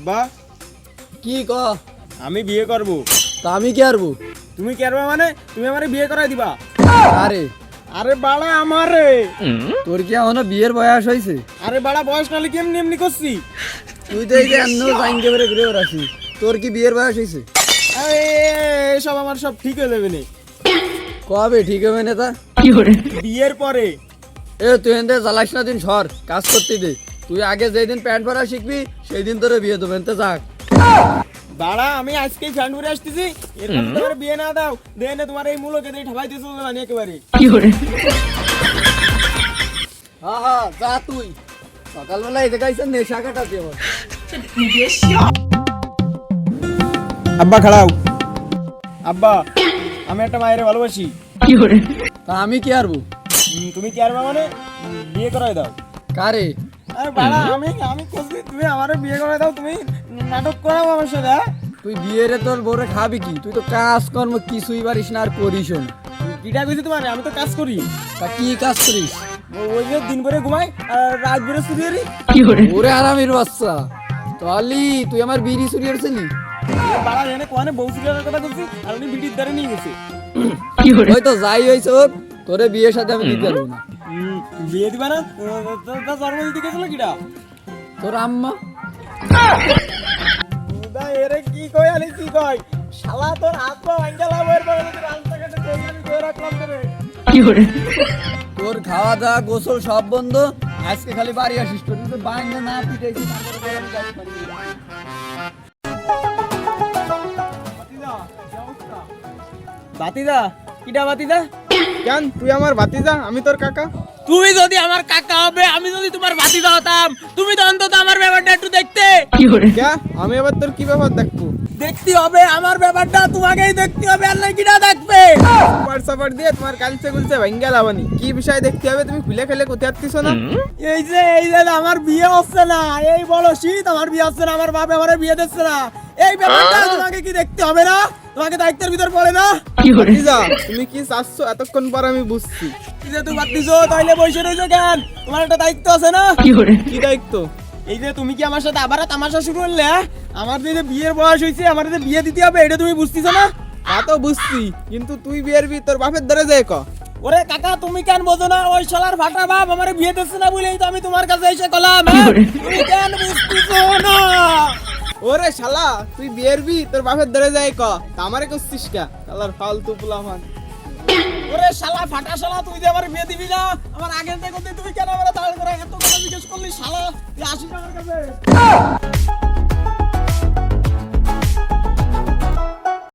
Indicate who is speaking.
Speaker 1: আব্বা
Speaker 2: কি ক?
Speaker 1: আমি বিয়ে করব।
Speaker 2: তা আমি কি আরবো?
Speaker 1: তুমি কি করবে মানে তুমি আমারে বিয়ে করাই দিবা?
Speaker 2: আরে
Speaker 1: আরে বাড়া আমারে।
Speaker 2: তোর কি এখনো বিয়ের বয়স হয়েছে?
Speaker 1: আরে বাড়া বয়স নালে কি এমনি এমনি করছি?
Speaker 2: তুই তো এই যে এন্ন জাইনকে বেরে ঘুরে বেড়াচ্ছি। তোর কি বিয়ের বয়স হয়েছে?
Speaker 1: আরে সব আমার সব ঠিক হয়ে যাবে না।
Speaker 2: কবে ঠিক হবে না তা?
Speaker 1: বিয়ের পরে।
Speaker 2: এ তুই এনতে জ্বালাস না, দিন সর কাজ করতে দে। তুই আগে যেদিন প্যান্ট পরা শিখবি সেই দিন তোরে বিয়ে দেবেন তো যাক।
Speaker 1: বাড়া আমি আজকেই ফ্যান ঘুরে আসতেছি, এরকম তোমার বিয়ে না দাও দেয় না, তোমার এই মূলকে দিয়ে ঠাবাই দিতে হবে না একেবারে।
Speaker 2: হ্যাঁ হ্যাঁ যা তুই। সকালবেলা এই দেখাইছে নেশা কাটাতে হবে।
Speaker 1: আব্বা খাড়াও। আব্বা আমি একটা মায়ের ভালোবাসি।
Speaker 2: তা আমি কি আরবো?
Speaker 1: তুমি কি আরবা মানে বিয়ে করাই দাও।
Speaker 2: কারে?
Speaker 1: আরে বাড়া আমি আমি কইছি তুমি আমারে বিয়ে করাই দাও, তুমি নাটক করাও আমার সাথে। হ্যাঁ?
Speaker 2: তুই বিয়েরে তোর বউরে খাবি কি? তুই তো কাজ কর্ম কিছুই পারিস না আর করিস না।
Speaker 1: কিটা কইছি তোমার? আমি তো কাজ করি।
Speaker 2: তা কি কাজ করিস?
Speaker 1: ওই যে দিন ভরে ঘুমাই আর রাত ভরে চুরি।
Speaker 2: ওরে আরামের বাচ্চা, তাহলে তুই আমার বিড়ি চুরি করছিলি?
Speaker 1: বাড়া এনে কোয়ানে বউ চুরির কথা কইছি আর উনি বিটির দ্বারে নিয়ে গেছে।
Speaker 2: ওই তো যাই হয়েছে হোক, তোরে বিয়ের সাথে আমি দিতে পারবো না।
Speaker 1: বিয়ে দিবা না? তা জন্ম দিতে গেছিল কিটা?
Speaker 2: তোর আম্মা।
Speaker 1: দা এরে কি কই আলি কি কই? শালা তোর হাত পা ভাঙ্গালা বইর পরে যদি রাস্তাঘাটে কই আমি কই রাখলাম তোরে।
Speaker 2: তোর খাওয়া দাওয়া গোসল সব বন্ধ, আজকে খালি বাড়ি আসিস। তোর যদি বাইরে না পিটাইছি তারপরে তোর আমি কাজ পারি না।
Speaker 1: বাতিদা কিটা বাতিদা? কেন তুই আমার বাতিদা আমি তোর কাকা? তুমি যদি আমার কাকা হবে, আমি যদি তোমার ভাতিজা হতাম, তুমি তো অন্তত আমার ব্যাপারটা একটু দেখতে। আমি আবার তোর কি ব্যাপার দেখবো? দেখতে হবে আমার ব্যাপারটা, তোমাকেই দেখতে হবে, আর না কিটা দেখবে? হোয়াটসঅ্যাপ দিয়ে তোমার কালচে গুলছে ভাঙ্গা লাবানি কি বিষয় দেখতে হবে? তুমি খুলে খেলে কোথায় আসতেছো না? এই যে আমার বিয়ে হচ্ছে না, এই বলো শীত আমার বিয়ে হচ্ছে না, আমার বাপ আমারে বিয়ে দিচ্ছে না, এই ব্যাপারটা তোমাকে কি দেখতে হবে না? তোমাকে দায়িত্বের ভিতর পড়ে না? ভাতিজা তুমি কি চাচ্ছ এতক্ষণ পর আমি বুঝছি। কি যে তুমি ভাতিজো তাইলে বসে রইছো কেন? তোমার একটা দায়িত্ব আছে না? কি দায়িত্ব? এই যে তুমি কি আমার সাথে আবার তামাশা শুরু করলে? হ্যাঁ? আমার যে বিয়ের বয়স হয়েছে, আমার যে বিয়ে দিতে হবে, এটা তুমি বুঝতেছো না? তা তো বুঝছি, কিন্তু তুই বিয়ের তোর বাপের ধরে যাই ক। ওরে কাকা তুমি কেন বোঝো না? ওই শালার ফাটা বাপ আমারে বিয়ে দিচ্ছে না বলেই তো আমি তোমার কাছে এসে কলাম। হ্যাঁ? তুমি কেন বুঝতেছো না? ওরে শালা তুই বিয়ের তোর বাপের ধরে যাই ক, তা আমারে করছিস কে? শালার ফালতু পোলাপান। ওরে শালা ফাটা শালা, তুই যে আমার বিয়ে দিবি না, আমার আগে থেকে তুমি কেন আমার তাড়া করে এত কথা জিজ্ঞেস করলি? শালা তুই আসিস আমার কাছে।